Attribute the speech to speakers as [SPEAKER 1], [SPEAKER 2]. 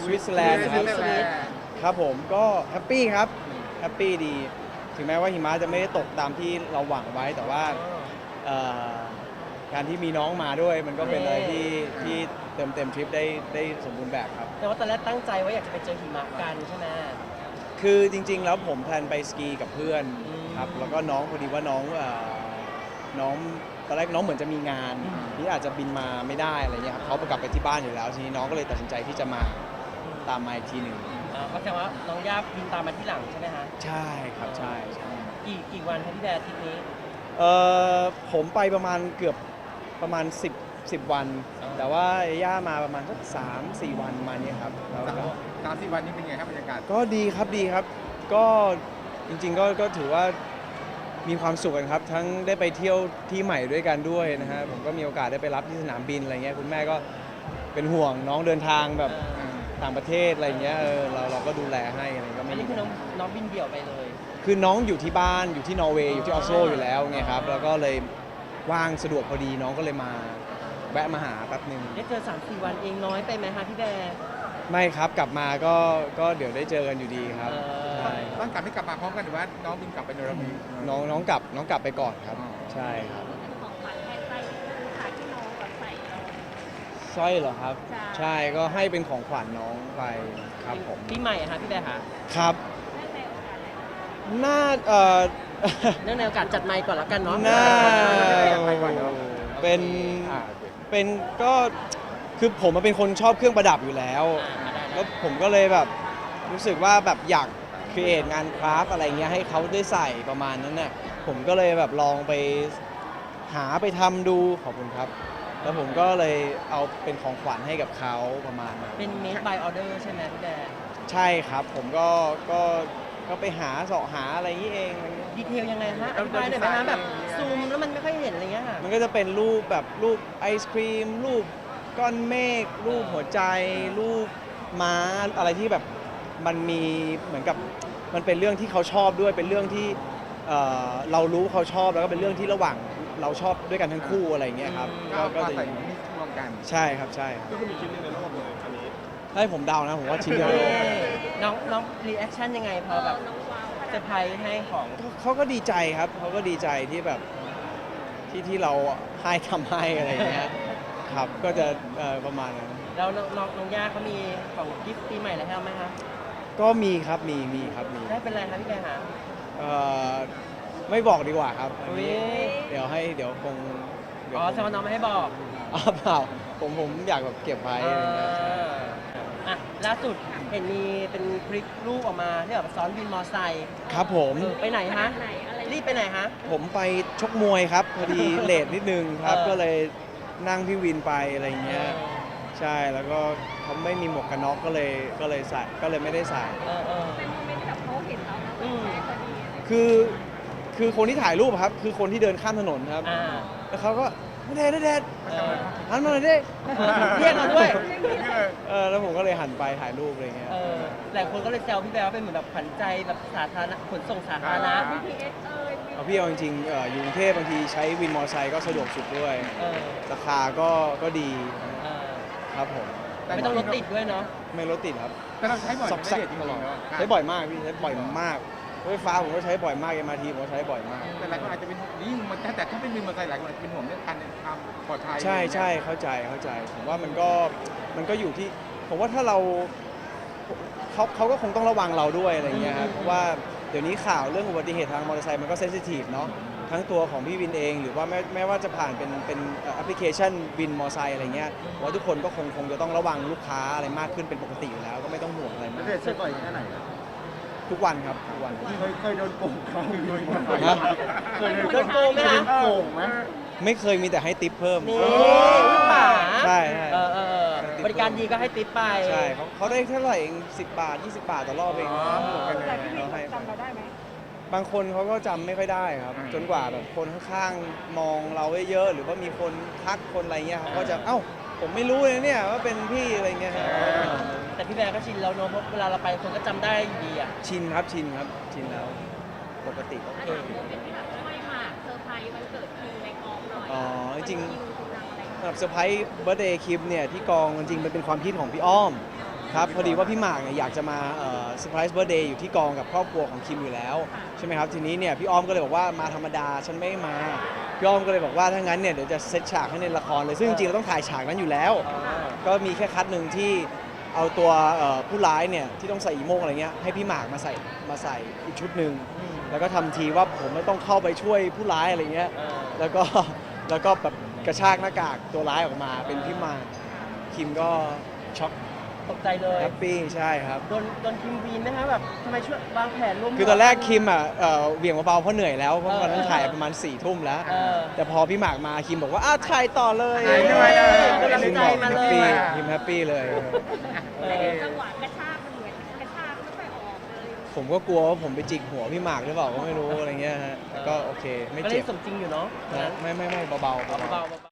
[SPEAKER 1] สวิตเซอร์แลนด์นะครับ
[SPEAKER 2] สวิตเซอร์แลนด์
[SPEAKER 1] ครับผมก็แฮปปี้ครับแฮปปี้ดีถึงแม้ว่าหิมะจะไม่ได้ตกตามที่เราหวังไว้แต่ว่าเอ่อการที่มีน้องมาด้วยมันก็เป็นอะไรที่เต็มทริปได้สมบูรณ์แบบครับ
[SPEAKER 3] แต่ว่าตอนแรกตั้งใจว่าอยากจะไปเจอหิมะกันใช่ไหม
[SPEAKER 1] คือจริงๆแล้วผมแพลนไปสกีกับเพื่อน
[SPEAKER 3] อืม
[SPEAKER 1] ครับแล้วก็น้องพอดีว่าน้องตอนแรกน้องเหมือนจะมีงานที่อาจจะบินมาไม่ได้อะไรเงี้ยครับเขากลับไปที่บ้านอยู่แล้วทีนี้น้องก็เลยตัดสินใจที่จะมาตามมาอีกทีหนึ่ง
[SPEAKER 3] ก็แสดงว่าน้องย่าบินตามมาที่หลังใช่ไหมฮะ
[SPEAKER 1] ใช่ครับใช่
[SPEAKER 3] กี่วันครับพี่แบร์ทริปนี้
[SPEAKER 1] เอผมไปประมาณเกือบประมาณ10 วัน แต่ว่าย่ามาประมาณสัก3-4 วันมาเนี้ยครับแล้วก็
[SPEAKER 2] 3-4 วันนี้เป็นไงครับบรรยากาศ
[SPEAKER 1] ก็ดีครับดีครับ ก็จริงๆก็ถือว่ามีความสุขกันครับ ทั้งได้ไปเที่ยวที่ใหม่ด้วยกันด้วยนะฮะผมก็มีโอกาสได้ไปรับที่สนามบินอะไรเงี้ยคุณแม่ก็เป็นห่วงน้องเดินทางแบบต่างประเทศอะไรเงี้ยเราก็ดูแลให้อะไรก็
[SPEAKER 3] อั
[SPEAKER 1] ไม่
[SPEAKER 3] นนี้คือน้องบินเดี่ยวไปเลย
[SPEAKER 1] คือน้องอยู่ที่บ้านอยู่ที่นอร์เวย์อยู่ที่ออสโลอยู่แล้วไงครับแล้วก็เลยว่างสะดวกพอดีน้องก็เลยมาแวะมาหาแป๊บหนึ่ง
[SPEAKER 3] ได้เจอ 3-4 วันเองน้อยไปไหมคะพี่แบร์
[SPEAKER 1] ไม่ครับกลับมาก็เดี๋ยวได้เจอกันอยู่ดีครับ ใช่
[SPEAKER 2] ต้องกลับไม่กลับมาพร้อมกันหรือว่าน้องบินกลับไปโนรามิ
[SPEAKER 1] น้องกลับไปก่อนครับ ใช่ครับ
[SPEAKER 4] ของขวัญแทนใจคือขาที่น้องแบบใส่เรา
[SPEAKER 1] สร้อยเหรอครับ
[SPEAKER 4] ใช่
[SPEAKER 1] ใช่ก็ให้เป็นของขวัญน้องไปครับผม
[SPEAKER 3] ปีใหม่อะคะพี่แบร์คะ
[SPEAKER 1] ครับ
[SPEAKER 4] ได้ในโอกาสอะไรคะ
[SPEAKER 1] น่า
[SPEAKER 3] เนื่องในโอกาสจัดไมค์ก่อนแล้วกันเนาะ
[SPEAKER 1] น่า
[SPEAKER 2] ไปก่อนเนาะ
[SPEAKER 1] เป็นก็คือผมเป็นคนชอบเครื่องประดับอยู่แล้ว แล้วผมก็เลยแบบรู้สึกว่าแบบอยากครีเอทงานคราฟต์อะไรเงี้ยให้เขาได้ใส่ประมาณนั้นน่ะผมก็เลยแบบลองไปหาไปทำดูขอบคุณครับ แล้วผมก็เลยเอาเป็นของขวัญให้กับเขาประมาณนั้น
[SPEAKER 3] เป็น made by order ใช่ไหมพี่แบร์
[SPEAKER 1] ใช่ครับผมก็ไปหาเสาะหาอะไรอย่างนี้เองอะไรเงี้ย
[SPEAKER 3] ดีเทลยังไงฮะอธิบายหน่อยไหมฮะแบบซูมแล้วมันไม่ค่อยเห็นอะไรเงี้ยค่ะ
[SPEAKER 1] มันก็จะเป็นรูปแบบรูปไอศครีมรูปก้อนเมฆรูปหัวใจ รูปม้าอะไรที่แบบมันมีเหมือนกับมันเป็นเรื่องที่เขาชอบด้วยเป็นเรื่องที่เรารู้เขาชอบแล้วก็เป็นเรื่องที่ระหว่างเราชอบด้วยกันทั้งคู่อะไรอย่างเงี้ยครับ
[SPEAKER 2] ก็
[SPEAKER 1] จะ
[SPEAKER 2] ใส่นี่รวมกัน
[SPEAKER 1] ใช่ครับใช่ครับ
[SPEAKER 2] ก็มีชิ้นหนึงในโลกเลยอันนี้
[SPEAKER 1] ให้ผมเดานะผมว่าชิ้นเดียวโลก
[SPEAKER 3] น้องรีแอคชั่นยังไงพอแบบ
[SPEAKER 4] น้องว้าวข
[SPEAKER 3] เซ
[SPEAKER 4] นา
[SPEAKER 3] อ
[SPEAKER 4] ด
[SPEAKER 3] ร์ไพรส์ให้ของ
[SPEAKER 1] เขาก็ดีใจครับเขาก็ดีใจที่แบบที่เราให้ทำให้อะไรอย่างเงี้ยครับก็จะประมาณนั้น
[SPEAKER 3] แล้วน้องย่าเขามีของกิฟต์ปีใหม่อะไรให้เราไหมคะ
[SPEAKER 1] ก็มีครับมีครับมี
[SPEAKER 3] ได้เป็นอะไรคะพี่แบร์คะ
[SPEAKER 1] เอ่อไม่บอกดีกว่าครับอัน
[SPEAKER 3] อุ๊ย
[SPEAKER 1] นี้เดี๋ยวคง
[SPEAKER 3] อ๋อแสดงว่าน้องไม่ให้บอก
[SPEAKER 1] อ๋อเปล่าผมอยากแบบเก็บไว้อะไรเงี้ยใช่
[SPEAKER 3] อ่ะล่าสุดเห็นมีเป็นคลิปรูปออกมาที่แบบซ้อนวินมอไซค์
[SPEAKER 1] ครับผม
[SPEAKER 3] ไปไหนฮะ
[SPEAKER 4] ไหนอะไร
[SPEAKER 3] รีบไปไหนฮะ
[SPEAKER 1] ผมไปชกมวยครับพอดี เลทนิดนึงครับ
[SPEAKER 3] เออ
[SPEAKER 1] ก็เลยนั่งพี่วินไปอะไรเงี้ยใช่แล้วก็เขาไม่มีหมวกกันน็อกก็เลยใส่ก็เลยไม่ได้ใส่
[SPEAKER 4] เป็นโมเมนต์ที่แบบเขาเห็นเราแล้วแบบแม่พอดีอะไรอย่างเงี้ย
[SPEAKER 1] คือคนที่ถ่ายรูปอะครับคือคนที่เดินข้ามถนนครับ
[SPEAKER 3] อ่า
[SPEAKER 1] แล้วเขาก็ณเดชน์
[SPEAKER 3] เออ
[SPEAKER 1] หันมาหน่อยดิ
[SPEAKER 3] เรียกเราด้วย
[SPEAKER 1] แล้วผมก็เลยหันไปถ่ายรูปอะไรเงี้ย
[SPEAKER 3] หลายคนก็เลยแซวพี่แบร์ว่าเป็นเหมือนแบบขวัญใจแบบสาธารณะขนส่งสาธารณะ
[SPEAKER 4] BTS
[SPEAKER 1] เอาพี่เอาจริงๆอยู่กรุงเทพบางทีใช้วินมอเตอร์ไซค์ก็สะดวกสุดด้วย
[SPEAKER 3] เออ
[SPEAKER 1] ราคาก็ดี
[SPEAKER 3] เออ
[SPEAKER 1] ครับผม
[SPEAKER 3] ไม่ต้องรถติดด้วยเนาะ
[SPEAKER 1] ไม่รถติดครับ
[SPEAKER 2] แต่เราใช้บ่อย
[SPEAKER 1] ซอก
[SPEAKER 2] ไม่
[SPEAKER 1] แซก
[SPEAKER 2] เด็ดจริง
[SPEAKER 1] ตลอด
[SPEAKER 2] ๆ
[SPEAKER 1] ใช้บ่อยมากพี่ใช้บ่อยมากรถไฟฟ้าผมก็ใช้บ่อยมาก MRT ผมก็ใช้บ่อยมาก
[SPEAKER 2] แต่หลายคนอาจจะเป็นยิ่งมันแต่ถ้าเป็นวินมอเตอร์ไซค์หลายคนอาจจะเป็นห่วงเรื่องการความปลอดภัย
[SPEAKER 1] ใช่เข้าใจผมว่ามันก็อยู่ที่ผมว่าถ้าเราเขาก็คงต้องระวังเราด้วยอะไรเงี้ยครับเพราะว่าเดี๋ยวนี้ข่าวเรื่องอุบัติเหตุทางมอเตอร์ไซค์มันก็เซนซิทีฟเนาะทั้งตัวของพี่วินเอง หรือว่าแม้ว่าจะผ่านเป็นแอปพลิเคชันวินมอเตอร์ไซค์อะไรเงี้ยผมว่าทุกคนก็คงจะต้องระวังลูกค้าอะไรมากขึ้นเป็นปกติอยู่แล้วก็ไม่ต้องห่วงอะไรมาก
[SPEAKER 2] เด็ดใช้บ่อยแค่ไหน
[SPEAKER 1] ทุกวันครับทุกวัน
[SPEAKER 2] เคยโดนโกงเขาเคย
[SPEAKER 1] ฮะ
[SPEAKER 3] โดนโกงไหมคะ
[SPEAKER 2] โกงไหม
[SPEAKER 1] ไม่เคยมีแต่ให้ติปเพิ่ม
[SPEAKER 3] นี่ลูกหมา
[SPEAKER 1] ใช่
[SPEAKER 3] บริการดีก็ให้ติปไป
[SPEAKER 1] ใช่เขาได้เท่าไหร่เอง10 บาท 20 บาทต่อรอบเอง
[SPEAKER 4] แต่พี่วินจำเราได้ไหม
[SPEAKER 1] บางคนเขาก็จำไม่ค่อยได้ครับ จนกว่าแบบคนข้างๆมองเราเยอะๆหรือว่ามีคนทักคนอะไรเงี้ยเขาก็จะเอ้าผมไม่รู้เลยเนี่ยว่าเป็นพี่อะไรเงี้ยครับ
[SPEAKER 3] แต่พี่แบร์ก็ชินแล้วเนอะเพราะเวลาเราไปคนก็จำได้อยู่ดีอ่ะ
[SPEAKER 1] ชินแล้วปกติ
[SPEAKER 4] อันนี้ถือเป็นที่แบบช่วยหมากเซอร์ไพรส์วันเกิดคิวในกองหน่อย
[SPEAKER 1] อ๋อจริง
[SPEAKER 4] คิวคุณทำอะไร
[SPEAKER 1] สำหรับเซอร์ไพรส์เบิร์ธเดย์คลิปเนี่ยที่กองจริงๆมันเป็นความคิดของพี่อ้อมครับพอดีว่าพี่หมากเนี่ยอยากจะมาเซอร์ไพรส์เบิร์ธเดย์อยู่ที่กองกับครอบครัวของคิมอยู่แล้วใช่ไหมครับทีนี้เนี่ยพี่อ้อมก็เลยบอกว่ามาธรรมดาฉันไม่มาพี่อ้อมก็เลยบอกว่าถ้างั้นเนี่ยเดี๋ยวจะเซตฉากให้ในละครเลยซึ่งจริงๆเราต้องถ่ายฉากนั้นอยู่แล้ว ก็มีแค่คัดหนึ่งที่เอาตัวผู้ร้ายเนี่ยที่ต้องใส่อีโม่งอะไรเงี้ยให้พี่หมากมาใส่อีกชุดหนึ่งแล้วก็ทำทีว่าผมไม่ต้องเข้าไปช่วยผู้ร้ายอะไรเงี้ยแล้วก็แบบกระชากหน้ากากตัวร้ายออกมาเป็นพี่หมากคิมก็ช็อก
[SPEAKER 3] ตกใจเลย
[SPEAKER 1] แฮปปี้ใช่ครับ
[SPEAKER 3] โดนคิมวีนไหมคะแบบทำไมช่วยวางแผนร่วม
[SPEAKER 1] คือตอนแรกคิมเหวี่ยงเบาๆเพราะเหนื่อยแล้วเพราะวันนั้นถ่ายประมาณ4 ทุ่มแล้ว แต่พอพี่หมากมาคิมบอกว่าอ้าวถ่ายต่อเลย
[SPEAKER 2] ถ่ายด้วยเลย
[SPEAKER 3] กำลัง
[SPEAKER 1] คิม
[SPEAKER 3] ใจ
[SPEAKER 1] บอก
[SPEAKER 3] มา
[SPEAKER 1] แฮ
[SPEAKER 3] เล
[SPEAKER 1] ปปี้
[SPEAKER 3] ย
[SPEAKER 1] คิมแฮปปี้เลย
[SPEAKER 4] แต่เห็นจังหวะกระชากมันเหมือนกระชากไม่ค่อยออกเลย
[SPEAKER 1] ผมก็กลัวว่าผมไปจิกหัวพี่หมากหรือเปล่าก็ไม่รู้อะไรเงี้ยฮะแต่ก็โอเคไม่
[SPEAKER 3] ก็เล
[SPEAKER 1] เจ็
[SPEAKER 3] ย
[SPEAKER 1] บ
[SPEAKER 3] สมจริงอยู่เนาะ
[SPEAKER 1] นะไม่เบาๆ
[SPEAKER 3] เบาๆ